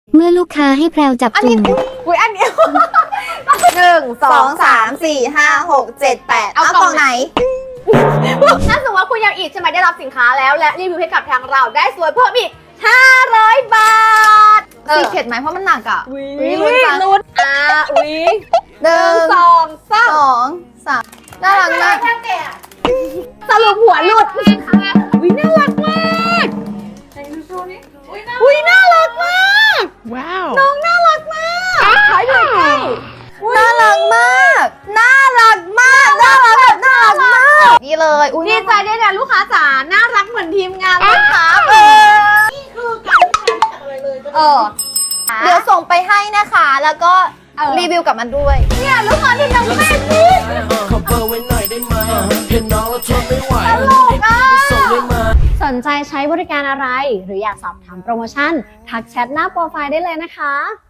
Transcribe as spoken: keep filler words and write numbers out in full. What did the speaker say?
เมื่อลูกค้าให้แพรวจับอันจุ่นี้มอุ้ยอันนี้ หนึ่งสองสามสี่ห้าหกเจ็ดแปดเอากล่องไหนถ้าสมมติว่าคุณยังอีกใช่ไหมได้รับสินค้าแล้วและรีวิวให้กับทางเราได้สวยเพิ่มอีกห้าร้อยบาทสีเข็ดไหมเพราะมันหนักอ่ะวิวิลุ้ลุ้นนจังลุ้นอ่าวิหนึ่งสองสามสองสามน่ารักมากสรุปหัวหลุดวิน่ารักมากวิน่ารักมากว้าวน้องน่ารักมากขายเลยใกล้น่ารักมาก น่ารักมาก น่ารักแบบน่ารักมาก นี่เลยอุ้ยดีใจด้วยนะลูกค้าจ๋าน่ารักเหมือนทีมงานเลยครับเออเออ เดี๋ยวส่งไปให้นะคะ แล้วก็รีวิวกับมันด้วยเนี่ยลูกค้าที่ยังไม่พูดขอเบอร์ไว้หน่อยได้ไหมเห็นน้องแล้วทนไม่ไหวตลกอ่ะส่งได้ไหมสนใจใช้บริการอะไร หรืออยากสอบถามโปรโมชั่น ทักแชทหน้าโปรไฟล์ได้เลยนะคะ